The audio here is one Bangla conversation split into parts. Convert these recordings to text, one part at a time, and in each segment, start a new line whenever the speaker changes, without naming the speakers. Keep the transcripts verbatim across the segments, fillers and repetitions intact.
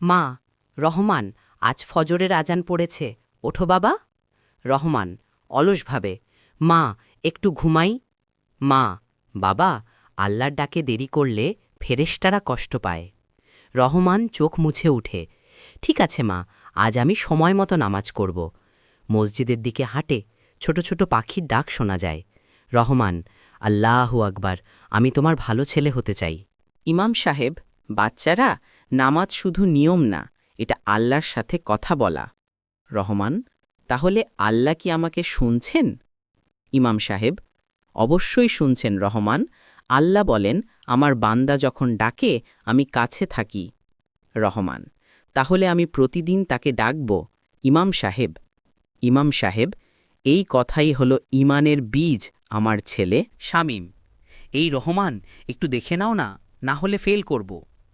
মা, রহমান, আজ ফজরের আজান পড়েছে, ওঠো বাবা। রহমান অলসভাবে, মা, একটু ঘুমাই। মা, বাবা, আল্লাহর ডাকে দেরি করলে ফেরেশতারা কষ্ট পায়। রহমান চোখ মুছে উঠে, ঠিক আছে মা, আজ আমি সময় মতো নামাজ করব। মসজিদের দিকে হাঁটে, ছোট ছোট পাখির ডাক শোনা যায়। রহমান, আল্লাহু আকবার, আমি তোমার ভালো ছেলে হতে চাই।
ইমাম সাহেব, বাচ্চারা, নামাজ শুধু নিয়ম না, এটা আল্লাহর সাথে কথা বলা। রহমান, তাহলে আল্লাহ কি আমাকে শুনছেন? ইমাম সাহেব, অবশ্যই শুনছেন রহমান। আল্লাহ বলেন, আমার বান্দা যখন ডাকে আমি কাছে থাকি। রহমান, তাহলে আমি প্রতিদিন তাকে ডাকব। ইমাম সাহেব, ইমাম সাহেব, এই কথাই হলো ইমানের বীজ আমার ছেলে।
শামীম, এই রহমান, একটু দেখে নাও না, না হলে ফেল করব।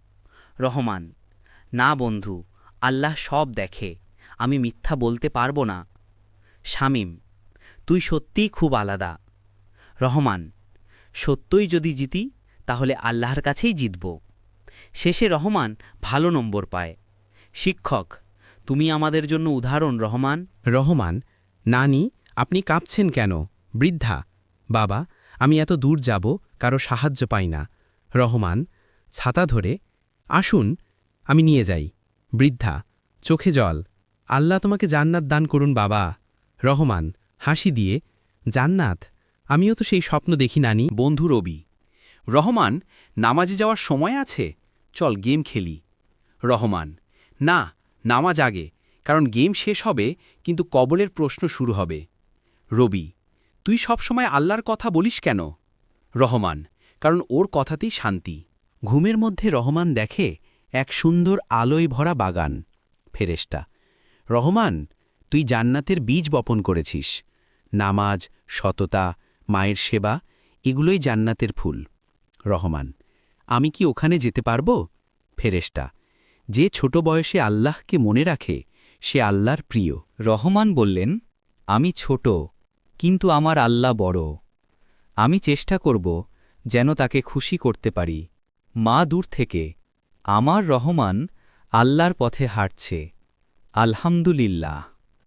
রহমান, না বন্ধু, আল্লাহ সব দেখে, আমি মিথ্যা বলতে পারবো না। শামীম, তুই সত্যিই খুব আলাদা। রহমান, সত্যই যদি জিতি তাহলে আল্লাহর কাছেই জিতব। শেষে রহমান ভালো নম্বর পায়। শিক্ষক, তুমি আমাদের জন্য উদাহরণ রহমান।
রহমান, নানি, আপনি কাঁপছেন কেন? বৃদ্ধা, বাবা, আমি এত দূর যাব, কারো সাহায্য পাই না। রহমান, ছাতা ধরে, আসুন, আমি নিয়ে যাই। বৃদ্ধা, চোখে জল, আল্লাহ তোমাকে জান্নাত দান করুন বাবা। রহমান, হাসি দিয়ে, জান্নাত, আমিও তো সেই স্বপ্ন দেখি নানি।
বন্ধু রবি, রহমান, নামাজে যাওয়ার সময় আছে, চল গেম খেলি। রহমান, না, নামাজ আগে, কারণ গেম শেষ হবে কিন্তু কবরের প্রশ্ন শুরু হবে। রবি, তুই সবসময় আল্লাহর কথা বলিস কেন? রহমান, কারণ ওর কথাতেই শান্তি।
ঘুমের মধ্যে রহমান দেখে এক সুন্দর আলোয় ভরা বাগান। ফেরেশতা, রহমান, তুই জান্নাতের বীজ বপন করেছিস। নামাজ, সততা, মায়ের সেবা, এগুলোই জান্নাতের ফুল। রহমান, আমি কি ওখানে যেতে পারব? ফেরেশতা, যে ছোট বয়সে আল্লাহকে মনে রাখে সে আল্লাহর প্রিয়।
রহমান বললেন, আমি ছোট, কিন্তু আমার আল্লাহ বড়। আমি চেষ্টা করব যেন তাকে খুশি করতে পারি। মা দূর থেকে, আমার রহমান আল্লাহর পথে হাঁটছে। আলহামদুলিল্লাহ।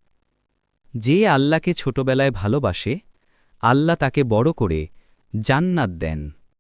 যে আল্লাহকে ছোটবেলায় ভালোবাসে, আল্লাহ তাকে বড় করে জান্নাত দেন।